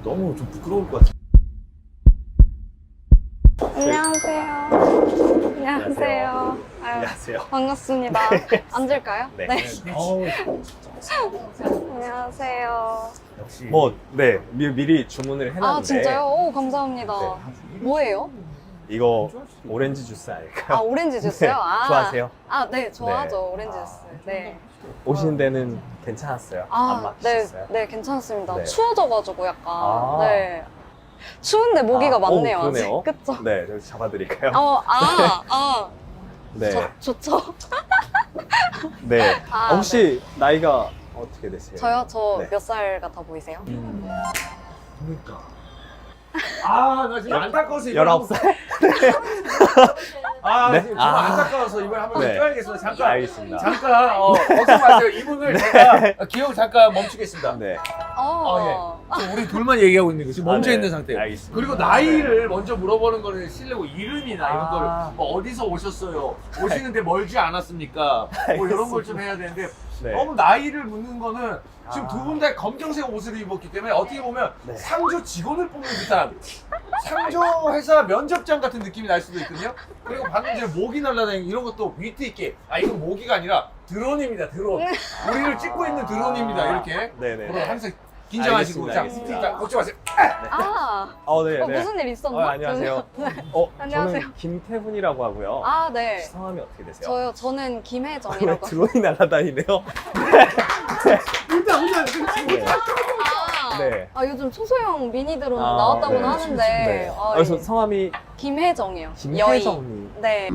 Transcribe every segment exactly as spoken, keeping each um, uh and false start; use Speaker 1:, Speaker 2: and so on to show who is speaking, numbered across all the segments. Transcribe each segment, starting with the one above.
Speaker 1: 너무 좀 부끄러울 것 같아.
Speaker 2: 안녕하세요. 안녕하세요. 아유,
Speaker 1: 안녕하세요.
Speaker 2: 반갑습니다. 앉을까요?
Speaker 1: 네.
Speaker 3: 어우,
Speaker 2: 안녕하세요.
Speaker 3: 역시
Speaker 1: 뭐, 네, 미, 미리 주문을 해놨는데.
Speaker 2: 아, 진짜요? 오, 감사합니다. 뭐예요?
Speaker 1: 이거 오렌지 주스 아닐까요?
Speaker 2: 아, 오렌지 주스요?
Speaker 1: 네.
Speaker 2: 아,
Speaker 1: 좋아하세요?
Speaker 2: 아, 네, 좋아하죠.
Speaker 1: 네.
Speaker 2: 오렌지 주스. 네.
Speaker 1: 오시는 데는 괜찮았어요? 안
Speaker 2: 아, 네,
Speaker 1: 막히셨어요?
Speaker 2: 네, 괜찮습니다.
Speaker 1: 네.
Speaker 2: 추워져가지고 약간.
Speaker 1: 아.
Speaker 2: 네. 추운데 모기가
Speaker 1: 아,
Speaker 2: 많네요.
Speaker 1: 오, 그러네요.
Speaker 2: 아직. 그쵸?
Speaker 1: 네, 여기 잡아드릴까요?
Speaker 2: 어, 아, 아.
Speaker 1: 네.
Speaker 2: 저, 좋죠.
Speaker 1: 네.
Speaker 2: 아,
Speaker 1: 아, 혹시 나이가 어떻게 되세요?
Speaker 2: 저요? 저
Speaker 1: 네.
Speaker 2: 몇 살 같아 보이세요?
Speaker 1: 음,
Speaker 3: 그러니까. 아, 나 지금 안타까워서 이걸
Speaker 1: 열아홉 살?
Speaker 3: 아,
Speaker 1: 네?
Speaker 3: 지금
Speaker 1: 아.
Speaker 3: 정말 안타까워서 이걸 한번
Speaker 1: 네.
Speaker 3: 껴야겠어. 잠깐.
Speaker 1: 알겠습니다.
Speaker 3: 잠깐, 어, 걱정 마세요. 이분을 제가 기억 잠깐 멈추겠습니다.
Speaker 1: 네.
Speaker 2: 어.
Speaker 3: 지금 우리 둘만 얘기하고 있는 거 지금 멈춰
Speaker 1: 아, 네.
Speaker 3: 있는 상태예요.
Speaker 1: 알겠습니다.
Speaker 3: 그리고 나이를 먼저 물어보는 거는 실례고 이름이나 이런
Speaker 1: 아.
Speaker 3: 거를 뭐 어디서 오셨어요? 오시는데 멀지 않았습니까? 뭐 이런 걸 좀 해야 되는데
Speaker 1: 네.
Speaker 3: 너무 나이를 묻는 거는 지금
Speaker 1: 아.
Speaker 3: 두 분 다 검정색 옷을 입었기 때문에 어떻게 보면
Speaker 1: 네.
Speaker 3: 상조 직원을 뽑는 듯한 상조 회사 면접장 같은 느낌이 날 수도 있거든요. 그리고 방금 전에 모기 날라다니는 이런 것도 위트 있게 아 이건 모기가 아니라 드론입니다. 드론. 우리를 찍고 있는 드론입니다. 이렇게.
Speaker 1: 네네.
Speaker 3: 그럼 항상 긴장하시고
Speaker 1: 알겠습니다,
Speaker 3: 자,
Speaker 1: 알겠습니다.
Speaker 3: 자 걱정 마세요.
Speaker 2: 아.
Speaker 1: 어, 네,
Speaker 2: 어,
Speaker 1: 네.
Speaker 2: 무슨 일 있었나?
Speaker 1: 어, 안녕하세요. 어,
Speaker 2: 안녕하세요.
Speaker 1: 저는 김태훈이라고 하고요.
Speaker 2: 아, 네.
Speaker 1: 성함이 어떻게 되세요?
Speaker 2: 저요, 저는
Speaker 1: 왜
Speaker 2: 김혜정이라고.
Speaker 1: 드론이 날아다니네요?
Speaker 3: 일단 일단
Speaker 1: 네.
Speaker 2: 아,
Speaker 1: 네.
Speaker 2: 아, 요즘 초소형 미니 드론
Speaker 1: 아,
Speaker 2: 나왔다고는
Speaker 1: 네.
Speaker 2: 하는데.
Speaker 1: 네.
Speaker 2: 아,
Speaker 1: 그래서
Speaker 2: 예.
Speaker 1: 성함이
Speaker 2: 김혜정이요.
Speaker 1: 김혜정님.
Speaker 2: 여의. 네.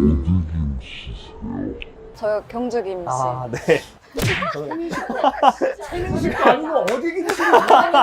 Speaker 2: 저요, 경주 김씨.
Speaker 1: 아, 네. 저는
Speaker 3: 최민식도 아니고 어디 계시는 거야?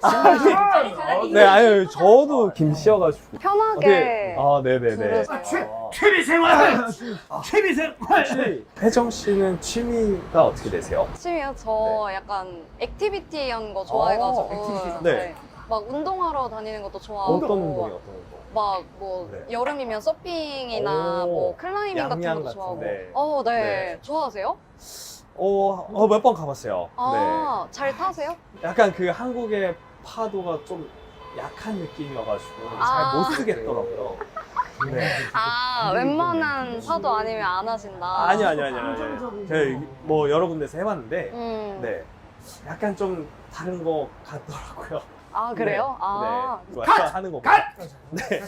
Speaker 1: 네, 아유, 저도 김씨여가지고.
Speaker 2: 편하게.
Speaker 1: 아, 네네네.
Speaker 2: 부르세요.
Speaker 3: 취미생활! 취미생활!
Speaker 1: 혹시 혜정 씨는 취미가 어떻게 되세요?
Speaker 2: 취미요? 저 약간 액티비티한 거 좋아해가지고.
Speaker 1: 액티비티. 네.
Speaker 2: 막 운동하러 다니는 것도 좋아하고.
Speaker 1: 어떤 운동이 어떤 운동?
Speaker 2: 막 뭐
Speaker 1: 네.
Speaker 2: 여름이면 서핑이나
Speaker 1: 오,
Speaker 2: 뭐 클라이밍 같은
Speaker 1: 양양
Speaker 2: 것도 좋아하고.
Speaker 1: 같은데.
Speaker 2: 어, 네.
Speaker 1: 네.
Speaker 2: 좋아하세요?
Speaker 1: 어, 어 몇 번 가봤어요.
Speaker 2: 아, 잘 타세요?
Speaker 1: 네. 약간 그 한국의 파도가 좀 약한 느낌이어가지고
Speaker 2: 아.
Speaker 1: 잘 못 쓰겠더라고요. 네.
Speaker 2: 아, 웬만한 파도 아니면 안 하신다.
Speaker 1: 아니요, 아니요, 아니요. 아니요. 제가 뭐 여러 군데서 해봤는데,
Speaker 2: 음.
Speaker 1: 네. 약간 좀 다른 거 같더라고요.
Speaker 2: 아, 그래요?
Speaker 1: 네.
Speaker 2: 아.
Speaker 1: 네. 컷! 하는 거.
Speaker 3: 컷!
Speaker 1: 네.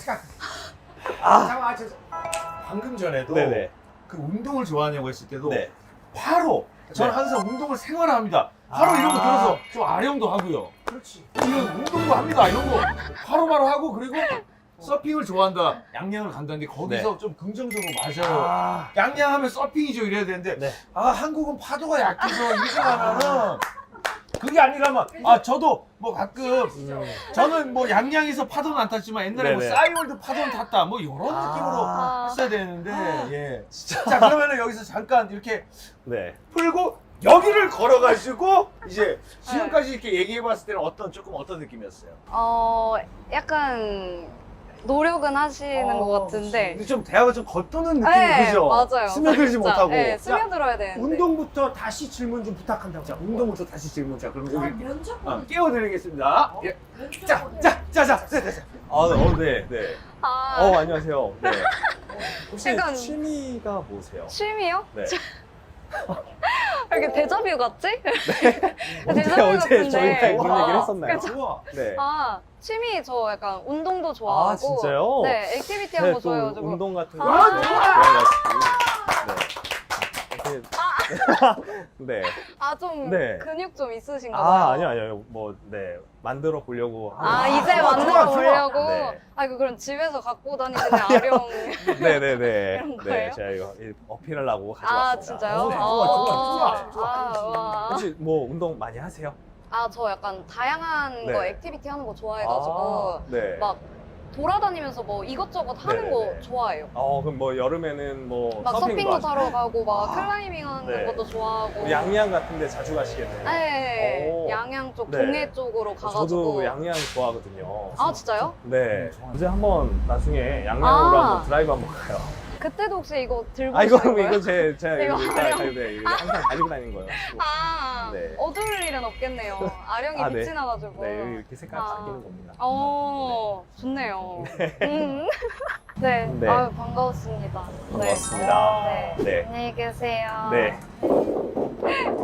Speaker 3: 아, 잠깐만, 저, 방금 전에도
Speaker 1: 네네.
Speaker 3: 그 운동을 좋아하냐고 했을 때도
Speaker 1: 네.
Speaker 3: 바로 저는
Speaker 1: 네.
Speaker 3: 항상 운동을 생활합니다. 바로
Speaker 1: 아.
Speaker 3: 이런 거 들어서 좀 아령도 하고요. 그렇지. 이런 운동도 합니다. 이런 거 바로바로 하고 그리고 서핑을 좋아한다. 양양을 간다는데 거기서
Speaker 1: 네.
Speaker 3: 좀 긍정적으로 맞아요.
Speaker 1: 아.
Speaker 3: 양양하면 서핑이죠 이래야 되는데
Speaker 1: 네.
Speaker 3: 아 한국은 파도가 약해서 이렇게 하면은 그게 아니라면 아 저도 뭐 가끔
Speaker 1: 음.
Speaker 3: 저는 뭐 양양에서 파도는 안 탔지만 옛날에 뭐
Speaker 1: 네네.
Speaker 3: 싸이월드 파도는 탔다 뭐 이런
Speaker 1: 아.
Speaker 3: 느낌으로 했어야 되는데
Speaker 2: 아.
Speaker 3: 예. 자 그러면은 여기서 잠깐 이렇게
Speaker 1: 네.
Speaker 3: 풀고 여기를 걸어가지고 이제 지금까지 이렇게 얘기해봤을 때는 어떤 조금 어떤 느낌이었어요?
Speaker 2: 어, 약간 노력은 하시는 것 같은데.
Speaker 3: 근데 좀 대화가 좀 겉도는 느낌이
Speaker 2: 네,
Speaker 3: 그죠?
Speaker 2: 맞아요.
Speaker 3: 스며들지
Speaker 2: 진짜.
Speaker 3: 못하고.
Speaker 2: 네, 스며들어야 되는데.
Speaker 3: 운동부터 다시 질문 좀 부탁한다고. 자, 운동부터 다시 질문. 자, 그럼
Speaker 4: 아,
Speaker 3: 여기
Speaker 4: 면접
Speaker 3: 어, 깨워드리겠습니다. 예. 자, 자, 자, 자, 자, 자, 자.
Speaker 1: 아, 어, 네, 네.
Speaker 2: 아,
Speaker 1: 어, 안녕하세요. 네. 혹시
Speaker 2: 약간-
Speaker 1: 취미가 뭐세요?
Speaker 2: 취미요?
Speaker 1: 네.
Speaker 2: 왜 이렇게 데자뷰 같지?
Speaker 1: 언제,
Speaker 2: 데자뷰
Speaker 1: 어제
Speaker 2: 같은데.
Speaker 1: 저희가 그런
Speaker 3: 와.
Speaker 1: 얘기를 했었나요?
Speaker 3: 좋아.
Speaker 1: 네.
Speaker 2: 아, 취미 저 약간 운동도 좋아하고.
Speaker 1: 아, 진짜요?
Speaker 2: 네, 액티비티한
Speaker 1: 네,
Speaker 2: 거
Speaker 1: 또
Speaker 2: 좋아해가지고.
Speaker 1: 운동 같은
Speaker 2: 아,
Speaker 1: 거
Speaker 2: 좋아.
Speaker 1: 좋아해가지고. 네. 네.
Speaker 2: 아, 좀
Speaker 1: 네.
Speaker 2: 근육 좀 있으신가 봐요.
Speaker 1: 아, 아니요, 아니요. 뭐, 네. 만들어 보려고.
Speaker 2: 아,
Speaker 1: 하는
Speaker 2: 이제
Speaker 3: 좋아,
Speaker 2: 만들어
Speaker 3: 좋아, 좋아.
Speaker 2: 보려고?
Speaker 1: 네.
Speaker 2: 아, 이거 그럼 집에서 갖고 다니시는 아령.
Speaker 1: 네네네.
Speaker 2: 이런
Speaker 1: 네,
Speaker 2: 거예요?
Speaker 1: 제가 이거 어필하려고
Speaker 2: 아,
Speaker 1: 가져왔습니다.
Speaker 2: 진짜요?
Speaker 3: 어, 네,
Speaker 2: 아,
Speaker 3: 좋아, 좋아, 좋아, 좋아.
Speaker 2: 아, 와.
Speaker 1: 혹시 뭐 운동 많이 하세요?
Speaker 2: 아, 저 약간 다양한
Speaker 1: 네.
Speaker 2: 거 액티비티 하는 거 좋아해가지고.
Speaker 1: 아, 네.
Speaker 2: 막 돌아다니면서 뭐 이것저것 하는
Speaker 1: 네네네.
Speaker 2: 거 좋아해요.
Speaker 1: 어, 그럼 뭐 여름에는 뭐
Speaker 2: 막
Speaker 1: 서핑도
Speaker 2: 서핑도
Speaker 1: 하시고.
Speaker 2: 타러 가고, 막
Speaker 1: 아,
Speaker 2: 클라이밍 하는
Speaker 1: 네.
Speaker 2: 것도 좋아하고.
Speaker 1: 양양 같은 데 자주 가시겠네요.
Speaker 2: 네,
Speaker 1: 오.
Speaker 2: 양양 쪽,
Speaker 1: 네.
Speaker 2: 동해 쪽으로 가가지고.
Speaker 1: 저도 양양 좋아하거든요.
Speaker 2: 아, 진짜요?
Speaker 1: 네. 이제 한번 나중에 양양으로
Speaker 2: 아.
Speaker 1: 한번 드라이브 한번 가요.
Speaker 2: 그때도 혹시 이거 들고
Speaker 1: 아 이거
Speaker 2: 오신 거예요?
Speaker 1: 이거 제 제가
Speaker 2: 이거
Speaker 1: 이거
Speaker 2: 아령.
Speaker 1: 가지고 네, 이거 항상 가지고 다니는 거예요.
Speaker 2: 아,
Speaker 1: 네.
Speaker 2: 어두울 일은 없겠네요. 아령이
Speaker 1: 아, 네.
Speaker 2: 빛이 나가지고.
Speaker 1: 네, 여기 이렇게 색깔
Speaker 2: 아.
Speaker 1: 바뀌는 겁니다.
Speaker 2: 어, 좋네요. 음. 네,
Speaker 1: 네.
Speaker 2: 아유, 반가웠습니다.
Speaker 1: 반갑습니다.
Speaker 2: 네.
Speaker 1: 네.
Speaker 2: 안녕히 계세요.
Speaker 1: 네.